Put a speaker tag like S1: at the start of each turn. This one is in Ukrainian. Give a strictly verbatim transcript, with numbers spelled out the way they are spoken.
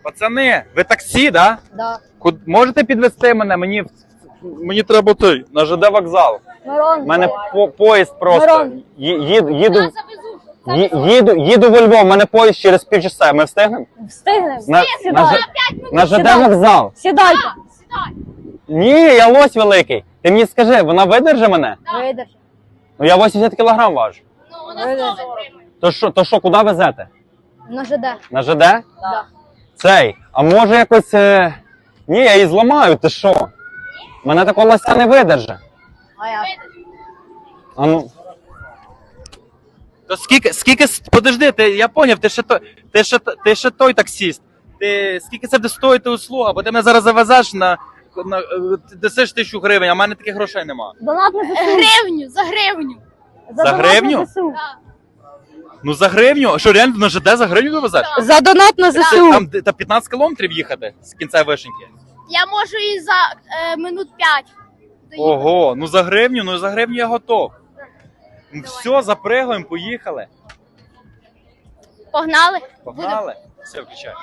S1: Пацани, ви таксі, да?
S2: Да.
S1: Куд... Можете підвезти мене? Мені, в- мені треба той, на ЖД вокзал.
S2: Мирон.
S1: У мене по поїзд просто.
S2: Мирон.
S1: Ї- Їду, їду,
S3: Я завезу.
S1: ї- їду, їду во Львов, у мене поїзд через півчаса. Ми встигнемо?
S2: Встигнемо.
S1: На, на,
S2: Сідай.
S1: Ж- на ЖД
S2: Сідай.
S1: вокзал.
S2: Сідайте.
S3: Сідай.
S1: Ні, я лось великий. Ти мені скажи, вона видержи мене?
S2: Видиш.
S1: Ну я вісімдесят кілограм важу.
S3: Ну, вона
S2: Видержи.
S3: сто витримує.
S1: То що, то що, куди везете?
S2: На ЖД.
S1: На ЖД?
S2: Да.
S1: Цей, а може якось. Е... Ні, я її зламаю, ти що? Мене такого лося не видержи.
S2: А я.
S1: А ну.
S4: То скільки, скільки, с- подожди, ти, я поняв, ти ще, той, ти, ще, т- ти ще той таксіст. Ти, скільки це буде стоїти услуга, бо ти мене зараз завезеш на, на е, ти дасиш тисячу гривень, а в мене таких грошей нема.
S2: Донат на ЗСУ.
S3: Гривню, за гривню.
S1: За
S2: донат
S1: гривню?
S2: на ЗСУ.
S3: Да.
S4: Ну за гривню? А що, реально на ЖД за гривню довезеш?
S2: За донат на
S4: Це
S2: ЗСУ.
S4: Там де- та п'ятнадцять кілометрів їхати з кінця вишеньки.
S3: Я можу і за е, минут п'ять. доїхати.
S4: Ого, ну за гривню, ну за гривню я готов. Ну, все, запригуємо, поїхали.
S3: Погнали?
S4: Погнали. Все, включай.